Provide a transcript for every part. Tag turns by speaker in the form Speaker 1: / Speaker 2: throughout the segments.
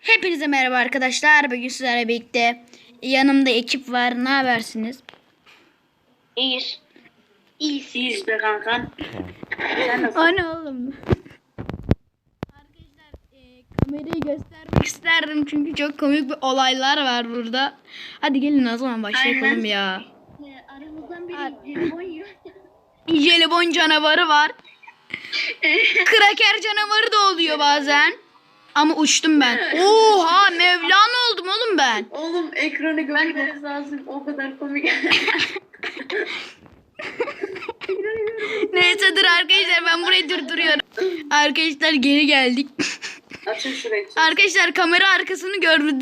Speaker 1: Hepinize merhaba arkadaşlar. Bugün sizlerle birlikte yanımda ekip var. Ne habersiniz?
Speaker 2: İyiyiz. İyiyiz be kankam. Sen nasılsın?
Speaker 1: O ne oğlum? Arkadaşlar kamerayı göstermek isterdim çünkü çok komik bir olaylar var burada. Hadi gelin o zaman başlayalım
Speaker 2: Aynen.
Speaker 1: ya.
Speaker 2: Aramızdan biri jelibon yiyor.
Speaker 1: Jelibon canavarı var. Kraker canavarı da oluyor bazen. Ama uçtum ben. Oha Mevlana oldum oğlum ben.
Speaker 2: Oğlum ekranı görmeniz lazım. O kadar komik.
Speaker 1: Neyse dur arkadaşlar ben burayı durduruyorum. Arkadaşlar geri geldik.
Speaker 2: Açın şurayı.
Speaker 1: Arkadaşlar kamera arkasını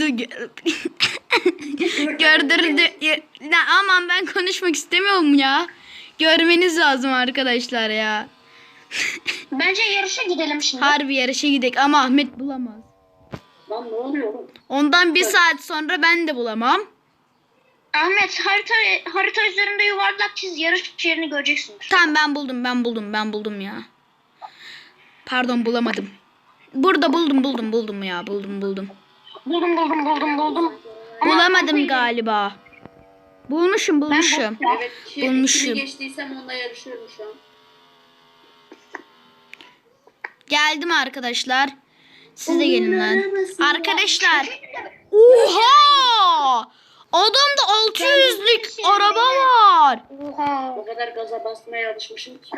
Speaker 1: gördürdü. Aman ben konuşmak istemiyorum ya. Görmeniz lazım arkadaşlar ya.
Speaker 2: Bence yarışa gidelim şimdi.
Speaker 1: Harbi yarışa gidelim ama Ahmet bulamaz.
Speaker 2: Lan ne oluyor oğlum?
Speaker 1: Ondan bir saat sonra ben de bulamam.
Speaker 2: Ahmet harita üzerinde yuvarlak çiz, yarış yerini göreceksin.
Speaker 1: Tamam ben buldum ya. Pardon bulamadım. Burada buldum ya buldum.
Speaker 2: Buldum.
Speaker 1: Bulamadım galiba. Bulmuşum.
Speaker 2: Evet,
Speaker 1: Bulmuşum.
Speaker 2: kimi geçtiysem onunla yarışıyorum şu an.
Speaker 1: Geldim arkadaşlar. Siz de gelin lan. Arkadaşlar. Oha! Adamda 600'lük araba var.
Speaker 2: Oha. O kadar gaza basmaya alışmışım ki.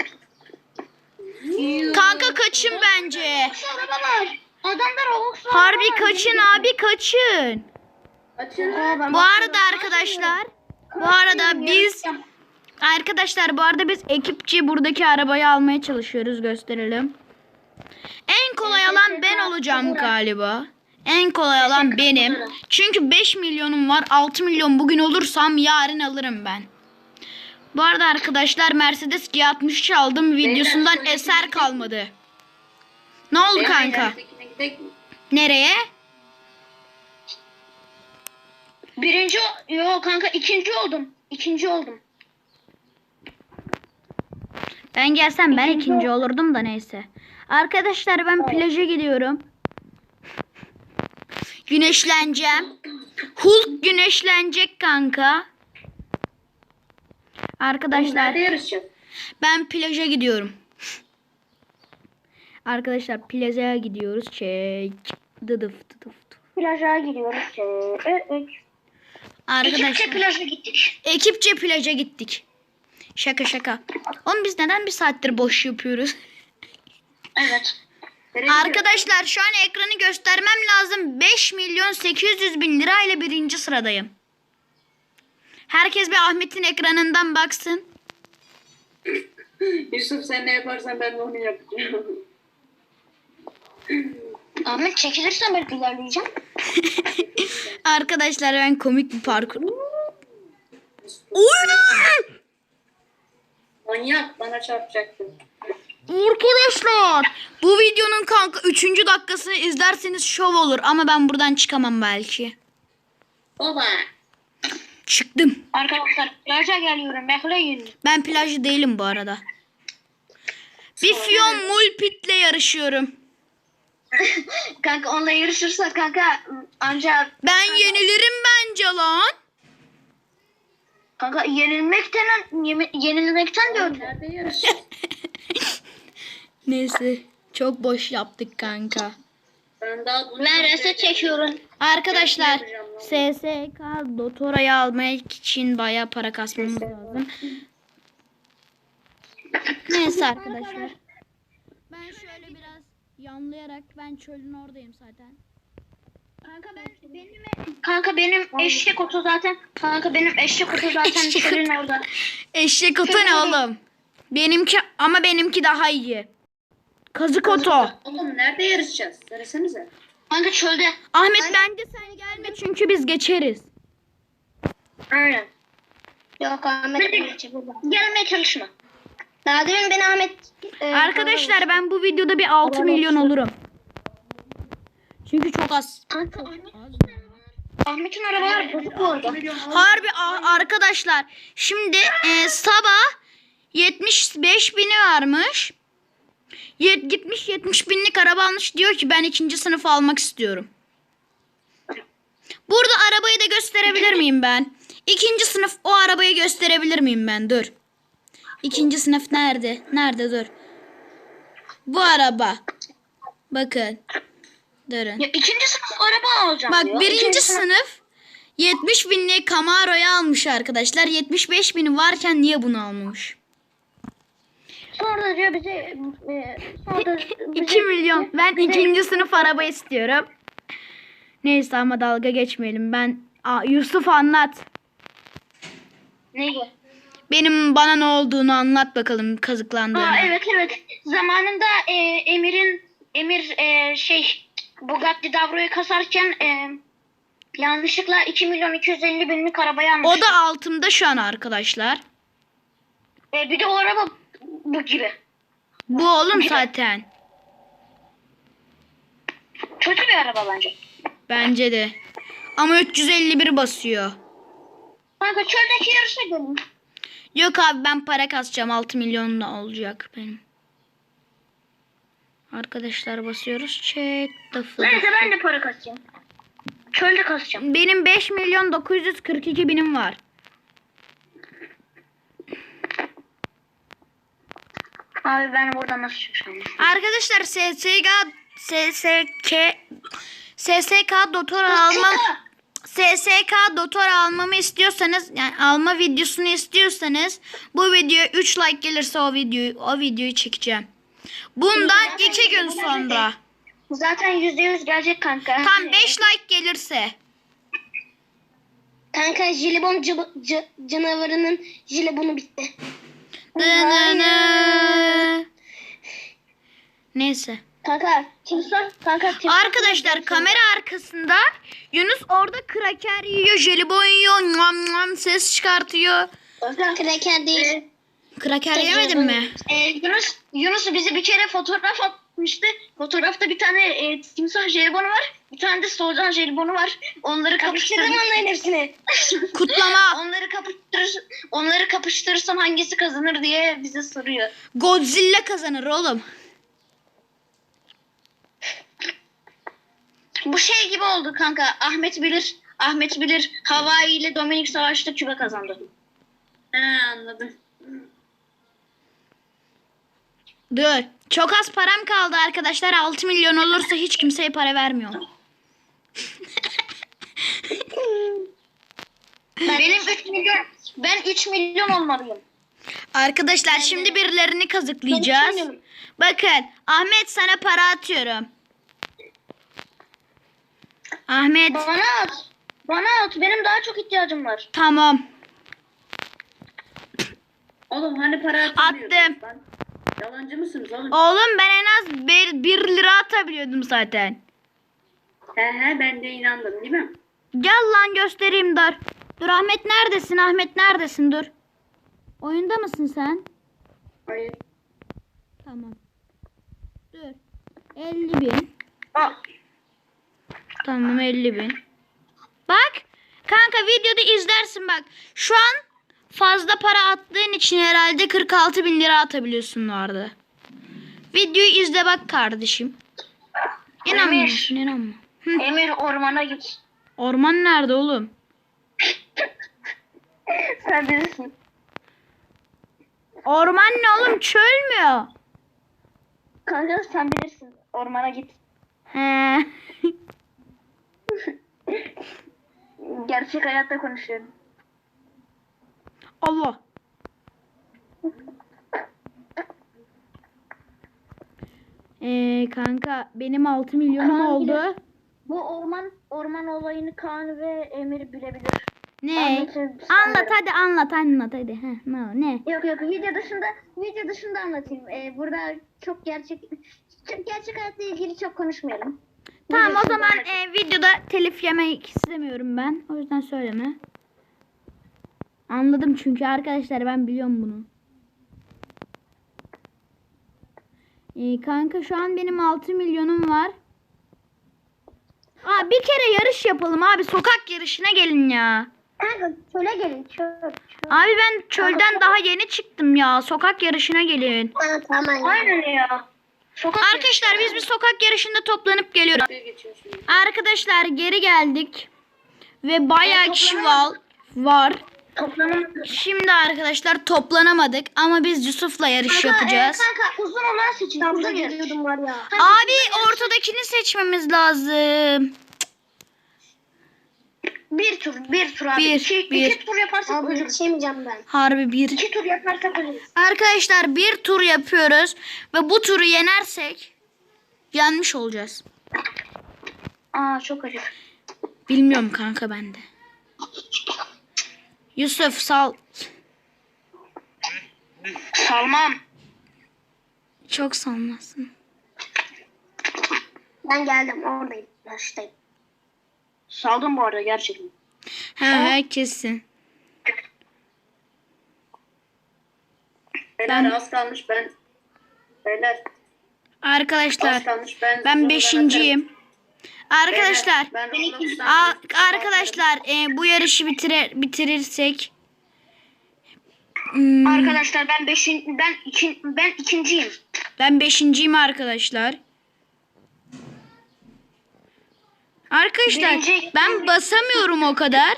Speaker 1: Kanka kaçın bence.
Speaker 2: Araba var. Adamlar Roblox var.
Speaker 1: Harbi kaçın abi kaçın.
Speaker 2: Açın.
Speaker 1: Bu arada arkadaşlar. Bu arada biz ekipçe buradaki arabayı almaya çalışıyoruz. Gösterelim. En kolay alan ben olacağım galiba. En kolay alan benim. Çünkü 5 milyonum var. 6 milyon bugün olursam yarın alırım ben. Bu arada arkadaşlar Mercedes G63 aldım. Videosundan eser kalmadı. Ne oldu kanka? Nereye?
Speaker 2: İkinci oldum.
Speaker 1: Ben gelsem ben ikinci olurdum da neyse. Arkadaşlar ben plaja gidiyorum. Güneşleneceğim. Hulk güneşlenecek kanka. Arkadaşlar
Speaker 2: Nerede yarışacağız?
Speaker 1: ben plaja gidiyorum. Arkadaşlar plaja gidiyoruz. Çek. Dıdıf.
Speaker 2: Plaja gidiyoruz.
Speaker 1: Arkadaşlar
Speaker 2: plaja gittik.
Speaker 1: ekipçe plaja gittik. Şaka. Oğlum biz neden bir saattir boş yapıyoruz?
Speaker 2: Evet.
Speaker 1: Arkadaşlar şu an ekranı göstermem lazım. 5.800.000 lira ile birinci sıradayım. Herkes bir Ahmet'in ekranından baksın.
Speaker 2: Yusuf sen ne yaparsan ben de onu yapacağım. Ahmet çekilirsen ben ilerleyeceğim.
Speaker 1: Arkadaşlar ben komik bir parkur. Oy!
Speaker 2: Manyak bana çarpacaktın.
Speaker 1: Arkadaşlar bu videonun kanka 3. dakikasını izlerseniz şov olur ama ben buradan çıkamam belki.
Speaker 2: Baba.
Speaker 1: Çıktım.
Speaker 2: Arkadaşlar plaja geliyorum bekleyin.
Speaker 1: Ben plajcı değilim bu arada. Bir Fiyon Mulpit'le yarışıyorum.
Speaker 2: Kanka onunla yarışırsak kanka ancak
Speaker 1: Ben yenilirim bence lan.
Speaker 2: kanka yenilmekten de öte. Nerede yarışacağız?
Speaker 1: Neyse çok boş yaptık kanka.
Speaker 2: Ben reset çekiyorum.
Speaker 1: Arkadaşlar SSK Dotora'yı almak için bayağı para kasmamız lazım. Neyse arkadaşlar. Ben şöyle biraz yanlayarak ben çölün oradayım zaten.
Speaker 2: Kanka benim eşek otu zaten. Çölün orada.
Speaker 1: Eşek otu ne oğlum? Benimki daha iyi. Kazık otu.
Speaker 2: Oğlum nerede yarışacağız? Söylesenize. Kanka çölde.
Speaker 1: Ahmet bence sen gelme çünkü biz geçeriz.
Speaker 2: Aynen. Yok Ahmet gelmeye çalışma. Daha demin ben Ahmet
Speaker 1: Arkadaşlar ben bu videoda bir 6 milyon olurum. Çünkü çok az.
Speaker 2: Ahmet'in arabaları bozuk bu arada.
Speaker 1: Harbi arkadaşlar. Şimdi sabah 75 bini varmış. Gitmiş 70 binlik araba almış. Diyor ki ben 2. sınıf almak istiyorum. Burada arabayı da gösterebilir miyim ben? 2. sınıf o arabayı gösterebilir miyim ben? Dur. 2. sınıf nerede? Nerede dur. Bu araba. Bakın. Durun.
Speaker 2: Ya 2. sınıf araba alacağım
Speaker 1: Bak
Speaker 2: diyor.
Speaker 1: 1.
Speaker 2: İkinci
Speaker 1: sınıf 70 binlik Camaro'yu almış arkadaşlar. 75 bini varken niye bunu almamış?
Speaker 2: Sonra da diyor bize... sonra da
Speaker 1: 2 milyon. Ben 2. sınıf araba istiyorum. Neyse ama dalga geçmeyelim. Yusuf anlat.
Speaker 2: Neyi?
Speaker 1: Bana ne olduğunu anlat bakalım kazıklandığını.
Speaker 2: Evet. Zamanında Emir Bugatti Davro'yu kasarken yanlışlıkla 2 milyon 250 binlik arabayı almış.
Speaker 1: O da altımda şu an arkadaşlar.
Speaker 2: Bir de o araba bu gibi.
Speaker 1: Bu oğlum zaten.
Speaker 2: Kötü bir araba bence.
Speaker 1: Bence de. Ama 351 basıyor.
Speaker 2: Kanka çöldeki yarışa gelin.
Speaker 1: Yok abi ben para kasacağım. 6 milyonla olacak benim. Arkadaşlar basıyoruz. Check the flag.
Speaker 2: Neyse ben de para kasacağım. Çölde kasacağım.
Speaker 1: Benim 5 milyon 942 binim var.
Speaker 2: Abi ben buradan nasıl çıkacağım?
Speaker 1: Arkadaşlar SSK doktor almamı istiyorsanız, yani alma videosunu istiyorsanız, bu videoya 3 like gelirse o videoyu çekeceğim. Bundan 2 gün sonra.
Speaker 2: Zaten %100 gelecek kanka.
Speaker 1: Tam 5 like gelirse.
Speaker 2: Kanka jelibon canavarının jelibonu bitti.
Speaker 1: Neyse.
Speaker 2: Kanka timsah.
Speaker 1: Arkadaşlar kamera arkasında Yunus orada kraker yiyor, jelibon yiyor, nam nam ses çıkartıyor.
Speaker 2: Kraker değil.
Speaker 1: Kraker yemedin mi?
Speaker 2: Yunus bize bir kere fotoğraf atmıştı. Fotoğrafta bir tane timsah jelibonu var. Bir tane de solucan jelibonu var. Onları kapıştırdım onların hepsini.
Speaker 1: Kutlama.
Speaker 2: Onları kapıştırırsam hangisi kazanır diye bize soruyor.
Speaker 1: Godzilla kazanır oğlum.
Speaker 2: Bu şey gibi oldu kanka. Ahmet bilir. Hawaii ile Dominik savaşta Küba kazandı. Anladım.
Speaker 1: Dur. Çok az param kaldı arkadaşlar. 6 milyon olursa hiç kimseye para vermiyorum.
Speaker 2: Ben 3 milyon olmalıyım.
Speaker 1: Arkadaşlar şimdi birilerini kazıklayacağız. Bakın Ahmet sana para atıyorum. Ahmet.
Speaker 2: Bana at. Benim daha çok ihtiyacım var.
Speaker 1: Tamam.
Speaker 3: Oğlum hani para
Speaker 1: Attım.
Speaker 3: Yalancı mısınız oğlum?
Speaker 1: Oğlum ben en az 1 lira atabiliyordum zaten.
Speaker 3: He ben de inandım değil mi?
Speaker 1: Gel lan göstereyim dur. Dur Ahmet neredesin? Ahmet neredesin? Dur. Oyunda mısın sen?
Speaker 3: Hayır.
Speaker 1: Tamam. Dur. 50 bin. Tamam 50 bin. Bak. Kanka videoda izlersin bak. Şu an fazla para attığın için herhalde 46 bin lira atabiliyorsun vardı. Videoyu izle bak kardeşim. İnanmıyorsun inanma.
Speaker 2: Emir ormana git.
Speaker 1: Orman nerede oğlum?
Speaker 2: Sen bilirsin.
Speaker 1: Orman ne oğlum? Çöl mü?
Speaker 2: Kanka sen bilirsin. Ormana git.
Speaker 1: He.
Speaker 2: Gerçek hayatta konuşuyorum.
Speaker 1: Allah. Kanka benim 6 milyonum
Speaker 2: Kaan
Speaker 1: oldu.
Speaker 2: Bu orman olayını Kaan ve Emir bilebilir.
Speaker 1: Ne?
Speaker 2: Anlatayım.
Speaker 1: Anlat hadi. Heh, ne?
Speaker 2: Yok video dışında anlatayım. Burada çok gerçek hayatla ilgili çok konuşmayalım.
Speaker 1: Tamam
Speaker 2: Video
Speaker 1: o zaman
Speaker 2: dışında anlatayım.
Speaker 1: videoda telif yemek istemiyorum ben. O yüzden söyleme. Anladım çünkü arkadaşlar ben biliyorum bunu. Kanka şu an benim 6 milyonum var. Bir kere yarış yapalım abi. Sokak yarışına gelin ya.
Speaker 2: Kanka çöle gelin çöl.
Speaker 1: Abi ben çölden daha yeni çıktım ya. Sokak yarışına gelin.
Speaker 2: Tamam. Aynen ya.
Speaker 1: Arkadaşlar biz bir sokak yarışında toplanıp geliyoruz.
Speaker 3: Geçiyor şimdi.
Speaker 1: Arkadaşlar geri geldik. ve bayağı kişi var.
Speaker 2: Toplanamadık.
Speaker 1: Şimdi arkadaşlar toplanamadık ama biz Yusuf'la yarış yapacağız.
Speaker 2: Kanka uzun olan seçin. Uzun yarış.
Speaker 3: var ya.
Speaker 1: Abi ortadakini seçmemiz lazım.
Speaker 2: Bir tur abi.
Speaker 1: Bir, bir.
Speaker 2: İki tur yaparsak ölürüz.
Speaker 3: Yetişemeyeceğim ben.
Speaker 1: Harbi bir.
Speaker 2: 2 tur yaparsak ölürüz.
Speaker 1: Arkadaşlar bir tur yapıyoruz ve bu turu yenersek yenmiş olacağız.
Speaker 2: Aa çok acı.
Speaker 1: Bilmiyorum kanka bende. Yusuf sal.
Speaker 2: Salmam.
Speaker 1: Çok salmasın.
Speaker 2: Ben geldim oradayım. Yaştayım. Saldım bu arada gerçekten.
Speaker 1: He kesin.
Speaker 3: Beyler az kalmış ben. Beyler
Speaker 1: Arkadaşlar
Speaker 3: az kalmış ben.
Speaker 1: ben beşinciyim. Arkadaşlar
Speaker 3: Ben Roblox'tan
Speaker 1: arkadaşlar bu yarışı bitirirsek
Speaker 2: Arkadaşlar ben ikinciyim.
Speaker 1: ben beşinciyim arkadaşlar. Arkadaşlar
Speaker 2: Birinci-
Speaker 1: ben basamıyorum o kadar.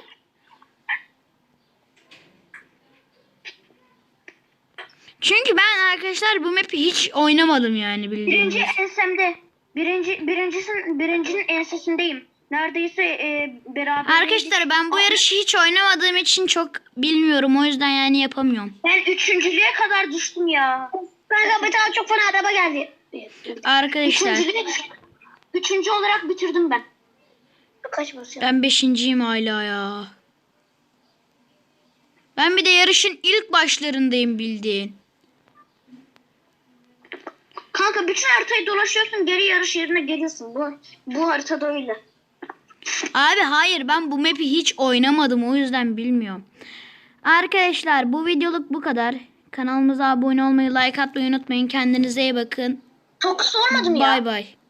Speaker 1: Çünkü ben arkadaşlar bu map'i hiç oynamadım yani bildiğiniz.
Speaker 2: Birinci ensemde. Birincinin ensesindeyim. Neredeyse beraber.
Speaker 1: Arkadaşlar ben bu yarışı hiç oynamadığım için çok bilmiyorum. O yüzden yani yapamıyorum.
Speaker 2: Ben üçüncülüğe kadar düştüm ya. Kanka bir tane çok fena araba geldi.
Speaker 1: Arkadaşlar
Speaker 2: Üçüncü olarak bitirdim ben. Kaç basıyor?
Speaker 1: ben beşinciyim hala ya. Ben bir de yarışın ilk başlarındayım bildiğin.
Speaker 2: Kanka bütün haritayı dolaşıyorsun, geri yarış yerine geliyorsun. Bu haritada öyle.
Speaker 1: Abi hayır ben bu map'i hiç oynamadım o yüzden bilmiyorum. Arkadaşlar bu videoluk bu kadar. Kanalımıza abone olmayı, like atmayı unutmayın. Kendinize iyi bakın.
Speaker 2: Çok sormadım ya.
Speaker 1: Bay bay.